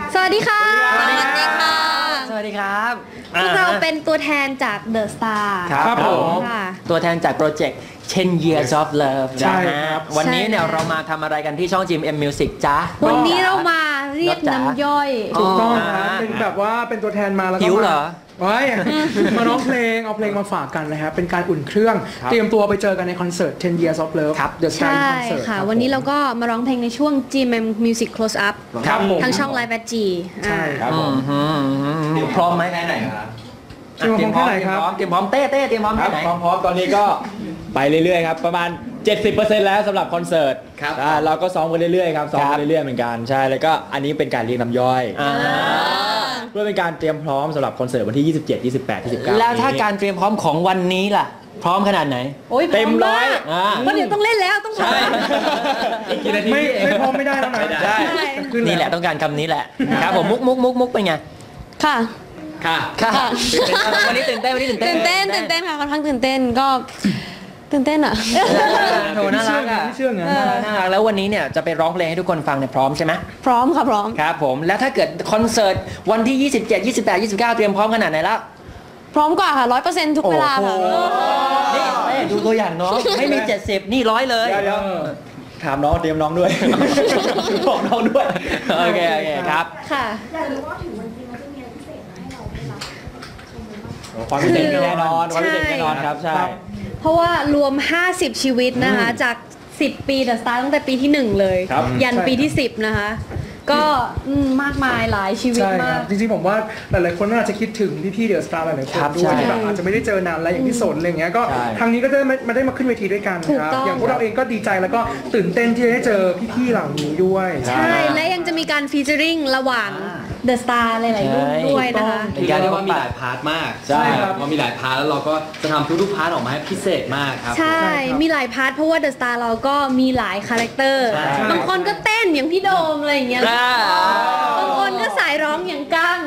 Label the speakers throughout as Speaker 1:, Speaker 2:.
Speaker 1: สวัสดีค่ะ
Speaker 2: สวัสดีค่ะ
Speaker 3: สวัสดีครับ
Speaker 1: พวกเราเป็นตัวแทนจาก The Star
Speaker 3: ครับผมตัวแทนจากโปรเจกต์ 10 Years of Love
Speaker 2: ใช่
Speaker 3: นะฮะวันนี้เนี่ยเรามาทำอะไรกันที่ช่อง GMM Music จ้า
Speaker 1: วันนี้เรามาเรียกน้ำย่อย
Speaker 2: ถูกต้องครับเป็นแบบว่าเป็นตัวแทนมาแล้วก็
Speaker 3: หิวเหรอ
Speaker 2: ว้ายมาร้องเพลงเอาเพลงมาฝากกันนะครับเป็นการอุ่นเครื่องเตรียมตัวไปเจอกันในคอนเสิร์ต 10 Years of Love
Speaker 3: ครับ
Speaker 2: The Star
Speaker 1: ใช่
Speaker 2: Concert
Speaker 1: ค่ะวันนี้เราก็มาร้องเพลงในช่วง GMM Music Close Up
Speaker 3: ครับผม
Speaker 1: ทางช่อง Live at G
Speaker 2: ใช่ครับผม
Speaker 3: พร้อมไหม
Speaker 4: แค่ไหนครับ
Speaker 2: เตรียมพร้อมแค่ไหนครับ
Speaker 3: เตรียมพร้อมเต้เตรียมพร้อม
Speaker 4: ครั
Speaker 3: แค่
Speaker 4: บ
Speaker 3: ไหน
Speaker 4: พร้อมๆตอนนี้ก็ไปเรื่อยๆครับประมาณ 70% แล้วสำหรับคอนเสิร์ต
Speaker 3: ครับ
Speaker 4: เราก็ซ้อมกันเรื่อยๆครับซ้อมกันเรื่อยๆเหมือนกันใช่แล้วก็อันนี้เป็นการเรียกน้ำย่อยเพื่อเป็นการเตรียมพร้อมสำหรับคอนเสิร์ตวันที่ 27 28 29
Speaker 3: แล้วถ้าการเตรียมพร้อมของวันนี้ล่ะ พร้อมขนาดไหน
Speaker 1: โอ้ย
Speaker 4: เต็มร้อย
Speaker 1: เพราะเดี๋ยวต้องเล่นแล้วต้องร้อง
Speaker 4: อีกกี่นาที
Speaker 2: ไม่พร้อมไม่ได้แล้วนะ
Speaker 4: ใช่
Speaker 2: ขึ้
Speaker 3: นี่แหละต้องการคำนี้แหละครับผมมุกเป็นไง
Speaker 1: ค่ะ
Speaker 4: ค่ะ
Speaker 3: ค่ะวันนี้ตื่นเต้นวันนี้ตื่นเต้น
Speaker 1: ตื่นเต้นค่ะค่อนข้างตื่นเต้นก็ตื่นเต้นอ่ะ
Speaker 3: โถน่ารักอ่ะ
Speaker 2: ไม่เชื่อไง
Speaker 3: น่ารักแล้ววันนี้เนี่ยจะไปร้องเพลงให้ทุกคนฟังเนี่ยพร้อมใช่ไหม
Speaker 1: พร้อมค่ะพร้อม
Speaker 3: ครับผมแล้วถ้าเกิดคอนเสิร์ตวันที่ 27 28 29 เตรียมพร้อมขนาดไหนแล้ว
Speaker 1: พร้อมกว่าค่ะ 100%ทุกเวลาค่ะ
Speaker 3: นี่ดูตัวอย่างน้องไม่มี 70 นี่100เลย
Speaker 4: เดี๋ยวถามน้องเตรียมน้องด้วยบอกน้องด้วย
Speaker 3: โอเคครับ
Speaker 1: ค่ะ
Speaker 5: อยากรู้ว่าถึงวันจริงมันจะมีอะไรพิเศษมาให้เราได้รับชมกันบ้าง
Speaker 4: ความพิเศษมีแน่นอนความพิเศษแน่นอนครับใช่
Speaker 1: เพราะว่ารวม 50 ชีวิตนะคะ จาก 10 ปี The Star ตั้งแต่ปีที่ 1 เลย
Speaker 4: ครับ
Speaker 1: ยันปีที่ 10 นะคะ ก็มากมายหลายชีวิต
Speaker 2: ใช่ค
Speaker 1: มา
Speaker 2: รั
Speaker 1: ก
Speaker 2: บจริงๆผมว่าหลายๆคนน่าจะคิดถึงพี่ๆเดอะสตาร์หลายๆคน
Speaker 3: ครับ
Speaker 2: ด้วย
Speaker 3: ใช่
Speaker 2: ที่แบบอาจจะไม่ได้เจอนานแล้วอย่างที่สนอะไรอย่างเงี้ยก็
Speaker 4: ใช่
Speaker 2: ครั้งนี้ก็ได้มาได้มาขึ้นเวทีด้วยกัน
Speaker 1: ถูก
Speaker 2: ครับ
Speaker 1: ต้อง
Speaker 2: อย่างพวกเราเองก็ดีใจแล้วก็ตื่นเต้นที่จะได้เจอพี่ๆเหล่านี้ด้วย
Speaker 1: ใช่ และยังจะมีการฟีเจอริงระหว่าง The Star หลายๆรุ่นด้วยนะคะ
Speaker 3: เป็นการ
Speaker 4: เรี
Speaker 3: ที่
Speaker 4: ยก
Speaker 3: ว่า
Speaker 4: ว่า
Speaker 3: มี
Speaker 4: มี
Speaker 3: ห
Speaker 4: ห
Speaker 3: ลา
Speaker 4: ลาย ยพาร์ทมาก
Speaker 2: ใช่ครับ
Speaker 4: พอมีหลายพาร์ทแล้วเราก็จะทำทุกๆพาร์ทออกมาให้พิเศษมากครับ
Speaker 1: ใช่ มีหลายพาร์ทเพราะว่า The Star เราก็มีหลายคาแรคเตอร์
Speaker 4: ใช่
Speaker 1: บางคนก็เต้นอย่างพี่โดมอะไรอย่างเงี้ย บางคนก็สายร้องอย่างกั้ง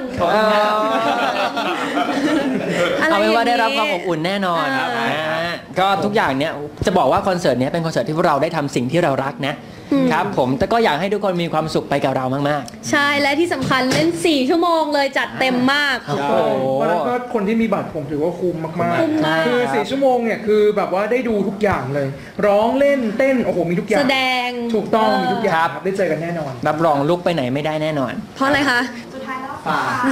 Speaker 3: เอาเป็นว่าได้รับความอบอุ่นแน่นอนก็ทุกอย่างเนี่ยจะบอกว่าคอนเสิร์ตเนี้ยเป็นคอนเสิร์ตที่พวกเราได้ทำสิ่งที่เรารักนะครับผมแต่ก็อยากให้ทุกคนมีความสุขไปกับเรามาก
Speaker 1: ใช่ และที่สำคัญเล่น 4 ชั่วโมงเลยจัดเต็มมาก
Speaker 3: โอ้โห
Speaker 2: เพราะฉะนั้นก็คนที่มีบัตรผมถือว่าคุ้มมาก
Speaker 1: คุ้มมาก
Speaker 2: ๆคือ4ชั่วโมงเนี่ยคือแบบว่าได้ดูทุกอย่างเลย ร้องเล่นเต้นโอ้โหมีทุกอย่าง
Speaker 1: แสดง
Speaker 2: ถูกต้องมีทุกอย่าง
Speaker 3: ครับ
Speaker 2: ครับได้เจอกันแน่นอน
Speaker 3: รับรองลุกไปไหนไม่ได้แน่นอน
Speaker 1: เพราะอะไรคะ
Speaker 5: สุดท้ายแล้ว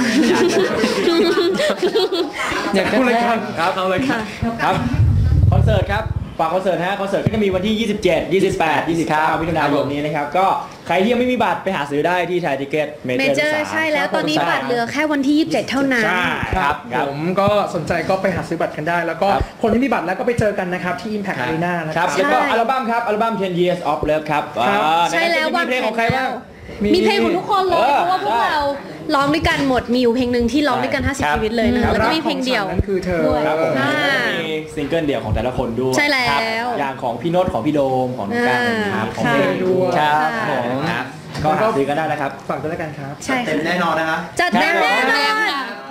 Speaker 3: อยากจะ
Speaker 2: พูดเลยครับ
Speaker 4: ครับเอาเลยครับคอนเสิร์ตครับฝากคอนเสิร์ตคอนเสิร์ตก็จะมีวันที่ 27 28 29มิถุนายนนี้นะครับก็ใครที่ยังไม่มีบัตรไปหาซื้อได้ที่ไทยทิเก็ตเม
Speaker 1: เม
Speaker 4: เจ
Speaker 1: เจ
Speaker 4: อ
Speaker 1: อ
Speaker 4: ร์
Speaker 1: ร์ใช่แล้วตอนนี้บัตรเหลือแค่วันที่ 27 เท่านั้น
Speaker 4: ใช่
Speaker 2: ครับผมก็สนใจก็ไปหาซื้อบัตรกันได้ แล้วก็คนที่มีบัตรแล้วก็ไปเจอกันนะครับที่ Impact Arena นะ
Speaker 4: ค
Speaker 2: ค
Speaker 4: รั
Speaker 2: รั
Speaker 4: บบ แล้วก็อัลบั้มครับอัลบั้ม 10 Years of Love ครับ
Speaker 1: ใช่แล้ว
Speaker 4: มีเพลงของใครบ้าง
Speaker 1: มีเพลงของทุกคนเลย เพราะว่าพวก
Speaker 4: ใช่
Speaker 1: เราร้องด้วยกันหมด มีอยู่เพลงหนึ่งที่ร้องด้วยกัน
Speaker 3: ครับ
Speaker 1: 50 ชีวิตเลยนะคะแล้วก็มีเพลงเดียว
Speaker 2: นั่นคือเธอ
Speaker 1: ด้วย
Speaker 4: ครับผม
Speaker 1: อ่า
Speaker 4: มีซิงเกิลเดี่ยวของแต่ละคนด้วย
Speaker 1: ใช่แล้ว
Speaker 4: ครับอย่างของพี่โน้ตของพี่โดมของน้องการครับของ
Speaker 1: ค่ะ
Speaker 4: เพลงด้วย
Speaker 3: ครับ
Speaker 1: ค่ะ
Speaker 3: ผม
Speaker 4: ครับก็หาซื้อกันได้นะครับ
Speaker 2: ฝากด้วยแล้วกันครับ
Speaker 1: ใช่
Speaker 4: เต็
Speaker 1: ค่ะ
Speaker 4: มแน่นอนนะครับ
Speaker 1: จัดเต็มแน่นอน